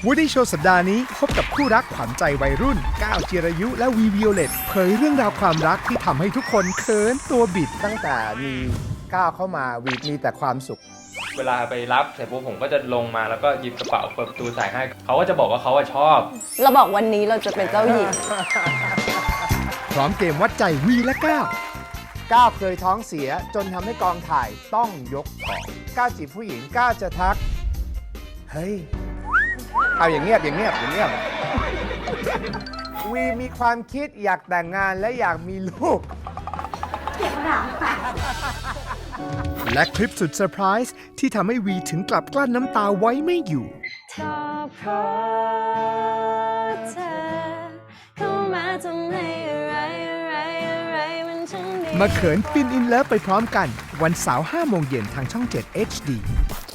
Woody Show สัปดาห์นี้พบกับคู่รักขวัญใจวัยรุ่นก้าวจิรายุและวีวิโอเลตเผยเรื่องราวความรักที่ทำให้ทุกคนเขินตัวบิดตั้งแต่มีก้าวเข้ามาวีมีแต่ความสุขเวลาไปรับเสร็จปุ๊บผมก็จะลงมาแล้วก็หยิบกระเป๋าเปิดประตูใส่ให้เขาก็จะบอกว่าเขาชอบเราบอกวันนี้เราจะเป็นเจ้าหญิงพร้อมเกมวัดใจวีและก้าวก้าวเคยท้องเสียจนทำให้กองถ่ายต้องยกของก้าวจีบผู้หญิงก้าวจะทักเฮ้ยเอาอย่างเงียบวีมีความคิดอยากแต่งงานและอยากมีลูก และคลิปสุดเซอร์ไพรส์ที่ทำให้วีถึงกลับกลั้นน้ำตาไว้ไม่อยู่ก็เพราะเธอเข้ามาทำให้อะไรมันช่างดีมาเขินฟินอินเลิฟไปพร้อมกัน วันเสาร์ 5 โมงเย็นทางช่อง 7 HD